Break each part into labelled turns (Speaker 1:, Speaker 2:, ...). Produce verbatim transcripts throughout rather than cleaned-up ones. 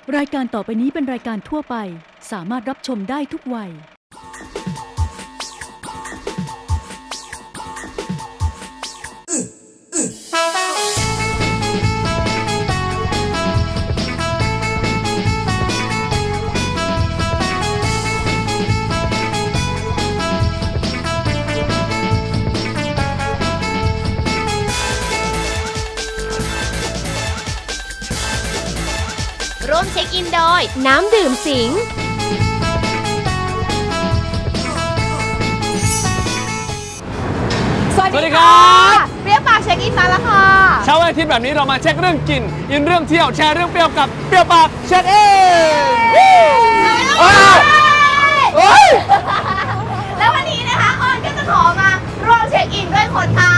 Speaker 1: รายการต่อไปนี้เป็นรายการทั่วไปสามารถรับชมได้ทุกวัย
Speaker 2: ร่วมเช็คอินโดยน้ำดื่มสิงสวัสดีค่ะเปรี้ยวปากเช็คอินมาแล้วค่ะ
Speaker 3: เช้าวันอาทิตย์แบบนี้เรามาเช็คเรื่องกินอินเรื่องเที่ยวแชร์เรื่องเปรี้ยวกับเปรี้ยวปากเช็คอิน
Speaker 2: แล้ววันนี้นะคะออนก็จะขอมาร่วมเช็คอินด้วยคนค่ะ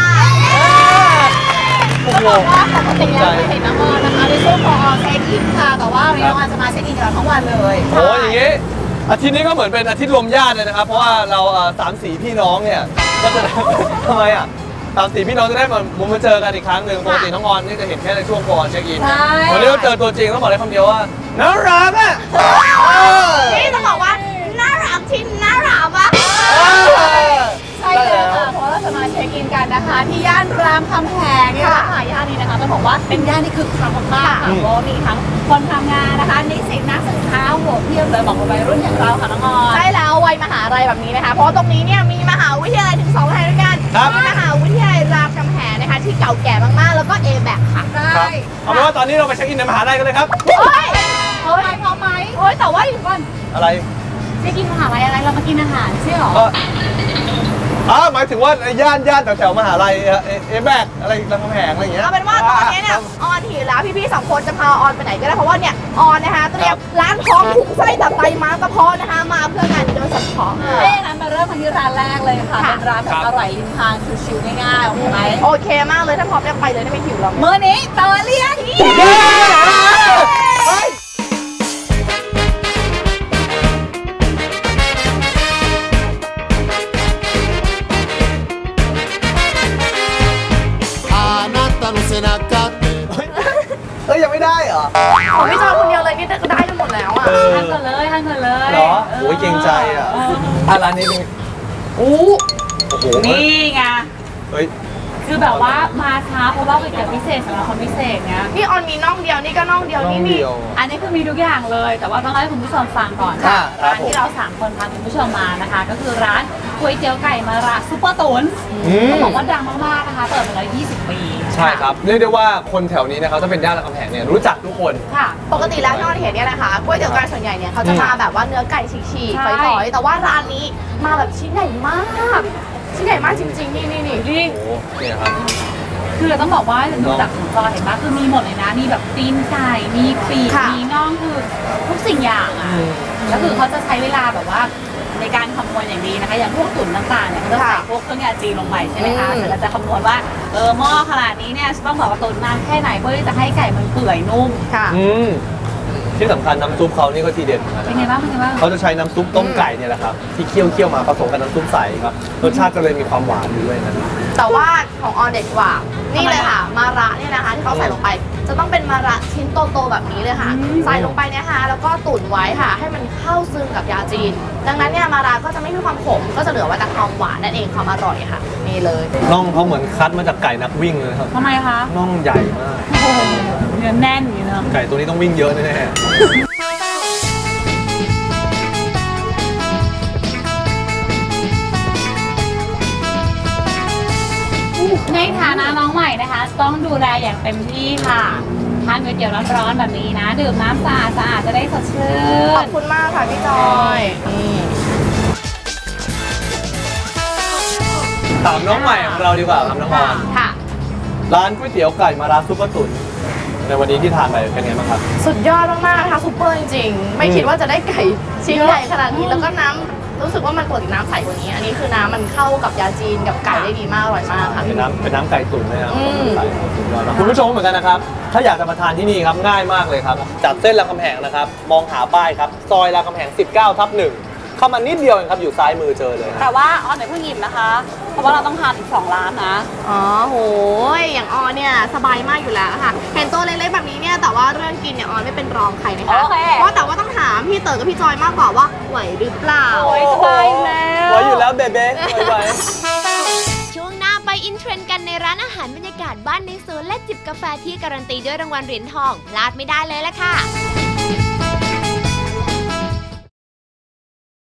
Speaker 2: ต้องบอกว่าปกติแล้วไม่เห็นน้องออนนะคะในช่วงของออนเช็คอินค่ะแต่ว่าวันนี้น้องออนจะมาเช็คอินกับเราทั้งวันเลย
Speaker 3: โอ้ยอย่างงี้อาทิตย์นี้ก็เหมือนเป็นอาทิตย์รวมญาติเลยนะครับเพราะว่าเราสามสี่พี่น้องเนี่ยก็จะทำไมอ่ะสามสี่พี่น้องจะได้มามุมมาเจอกันอีกครั้งหนึ่งปกติน้องออนนี่จะเห็นแค่ในช่วงก่อนเช็คอินวันนี้เราเจอตัวจริงต้องบอกได้คำเดียวว่าน่ารักอ่ะ
Speaker 2: นี่ต้องบอกว่าน่ารักที่น่ารักอ่ะใช่เลยค่ะเพราะเราจะมาเช็คอินกันนะคะที่ย่านรามคำแหงเนี่ยค่ะย่านนี้นะคะต้องบอกว่าเป็นย่านที่คึกคักมากๆค่ะเพราะมีทั้งคนทำงานนะคะนิสิตนักศึกษาหัวเพียบเลยบอกว่าวัยรุ่นอย่างเราค่ะน้องออนใช่แล้ววัยมหาลัยแบบนี้นะคะเพราะตรงนี้เนี่ยมีมหาวิทยาลัยถึงสองแห่งด้วยกันมีมหาวิทยาลัยรามคำแหงนะคะที่เก่าแก่มากๆแล้วก็ เอ แบค ค่ะ
Speaker 3: ใช่เอาเป็นว่าตอนนี้เราไปเช็คอินในมหาลัยกันเลยครับ
Speaker 2: โอ้ยพร้อมไหมพร้อมไหมโอ้ยแต่ว่าอยู่ก่อน
Speaker 3: อะไร
Speaker 2: เช็คอินมหาลัยอะไรเรามากินอาหารใช่หรอ
Speaker 3: อ๋อหมายถึงว่าย่านย่านแถวๆมหาลัยเอแบกอะไรรามคำแหงอะไรอย่างเงี้ย
Speaker 2: เอาเป็นว่าตอนนี้เนี่ยออนหิวแล้วพี่ๆสองคนจะพาออนไปไหนก็ได้เพราะว่าเนี่ยออนนะคะเตรียมร้านทองถุงไส้ตับไตม้ากระเพาะนะคะมาเพื่องานโดยเฉพาะเอ้งั้นมาเริ่มกันที่ร้านแรกเลยค่ะเป็นร้านแบบอร่อยริมทางชิวๆง่ายๆโอเคไหมโอเคมากเลยถ้าพร้อมจะไปเลยได้ไม่หิวหรอกมื้อนี้เตอเลียน
Speaker 3: เอ้ยยังไม่ได้เหรอ
Speaker 2: ผมไม่ชอบคนเดียวเลยนี่จะได้กันหมดแล้วอ่ะท่านกันเลยท่านกันเลย
Speaker 3: เหรอโอ้ยเกรงใจอ่ะอ่ะร้านนี้เป็น
Speaker 2: อู้โอ้โหนี่ไง
Speaker 3: เฮ้ย
Speaker 2: คือแบบว่ามาช้าเพราะว่าเป็นเกียรติพิเศษสำหรับคนพิเศษไงนี่ออนมีน่องเดียวนี่ก็น่องเดียวนี่มีอันนี้คือมีทุกอย่างเลยแต่ว่าต้องให้คุณผู้ชมฟังก่อนค่ะร้านที่เราสามคนพาคุณผู้ชมมานะคะก็คือร้านก๋วยเตี๋ยวไก่มะระซุปเปอร์ตุ๋นต้องบอกว่าดังมากๆนะคะเปิดมาแล้วยี่สิบปี
Speaker 3: ใช่ครับเรียกได้ว่าคนแถวนี้นะครับถ้าเป็นย่านรามคำแหงเนี่ยรู้จักทุกคน
Speaker 2: ค่ะปกติแล้วที่เราเห็นเนี่ยนะคะก๋วยเตี๋ยวไก่ส่วนใหญ่เนี่ยเขาจะมาแบบว่าเนื้อไก่ฉีกๆฝอยๆแต่ว่าร้านนี้มาแบบชิ้นใหญ่มากชิ้นใหญ่มากจริงๆนี่นี่นี่
Speaker 3: นี่นี่ครับ
Speaker 2: คือต้องบอกว่าดูจากของจอเห็นปะคือมีหมดเลยนะมีแบบตีนไก่มีปีกมีน่องคือทุกสิ่งอย่างอ่ะแล้วคือเขาจะใช้เวลาแบบว่าในการคำนวณอย่างดีนะคะอย่างพวกตุ๋นต่างๆเนี่ยเขาจะใส่พวกเครื่องยาจีนลงไปใช่ไหมคะแต่เราจะคำนวณว่าเออหม้อขนาดนี้เนี่ยต้องแบบว่าตุ๋นนานแค่ไหนเพื่อที่จะให้ไก่มันเปื่อยนุ่มค่ะ
Speaker 3: ที่สำคัญน้ำซุปเขานี่ก็ทีเด็ด
Speaker 2: เป็นไงบ้างเป็นไงบ้าง
Speaker 3: เขาจะใช้น้ำซุปต้มไก่เนี่ยแหละครับที่เคี่ยวเคี่ยวมาผสมกับน้ำซุปใสครับรสชาติก็เลยมีความหวานด้วยนะ
Speaker 2: แต่ว่าของออนเด็ดกว่านี่เลยค่ะมาระเนี่ยนะคะที่เขาใส่ลงไปจะต้องเป็นมาระชิ้นโตๆแบบนี้เลยค่ะใส่ลงไปนะคะแล้วก็ตุ๋นไว้ค่ะให้มันเข้าซึมกับยาจีนดังนั้นเนี่ยมาระก็จะไม่มีความขมก็จะเหลือไว้แต่ความหวานนั่นเองความอร่อยค่ะนี่เลย
Speaker 3: น่องเขาเหมือนคัดมาจากไก่นักวิ่งเลยครับ
Speaker 2: ทำไมคะ
Speaker 3: น่องใหญ่มาก
Speaker 2: เนื้อแน่นอย่างนี้นะ
Speaker 3: ไก่ตัวนี้ต้องวิ่งเยอะแน่ๆ
Speaker 2: ในฐานะน้องใหม่นะคะต้องดูแลอย่างเต็มที่ค่ะทานก๋วยเตี๋ยวร้อนๆแบบนี้นะดื่มน้ำสะอาดสะอาดจะได้สดชื่นขอบคุณมากค่ะพี่จอย
Speaker 3: ถามน้องใหม่ของเราดีกว่าครับน้องออน
Speaker 2: ค่ะ
Speaker 3: ร้านก๋วยเตี๋ยวไก่มะระซุปเปอร์ตุ๋นในวันนี้ที่ทานไปเป็นไงบ้างครับ
Speaker 2: สุดยอดมากๆนะคะซุปเปอร์จริงๆไม่คิดว่าจะได้ไก่ชิ้นใหญ่ขนาดนี้แล้วก็น้ำรู้สึกว่ามันปกติน้ำใสกว่านี้อันนี้คือน้ำมันเข้ากับยาจีนกับไก่ได้ดีมากอร่อยมากค่ะ
Speaker 3: เป็นน้ำเป็นน้ำไก่ตุ๋นเลยนะคุณผู้ชมเหมือนกันนะครับถ้าอยากจะมาทานที่นี่ครับง่ายมากเลยครับจากเส้นรามคำแหงนะครับมองหาป้ายครับซอยรามคำแหงสิบเก้าทับหนึ่งเข้ามานิดเดียวเองครับอยู่ซ้ายมือเจอเลย
Speaker 2: แต่ว่าออนไหนเพิ่งอิ่มนะคะเพราะว่าเราต้องทานอีกสองร้านนะอ๋อโหอย่างออนเนี่ยสบายมากอยู่แล้วค่ะเห็นตัวเล็กๆแบบนี้เนี่ยแต่ว่าว่าเรื่องกินเนี่ยออนไม่เป็นรองใครนะคะ
Speaker 4: โอเค
Speaker 2: เพราะแต่ว่าต้องถามพี่เต๋อกับพี่จอยมากกว่าว่าไหวหรือเปล่า
Speaker 4: โอ้ยสบายแล้ว
Speaker 3: ไว้อยู่แล้วเบเบ้ไว้
Speaker 5: ช่วงหน้าไปอินเทรนด์กันในร้านอาหารบรรยากาศบ้านในสวนและจิบกาแฟที่การันตีด้วยรางวัลเหรียญทองพลาดไม่ได้เลยล่ะค่ะ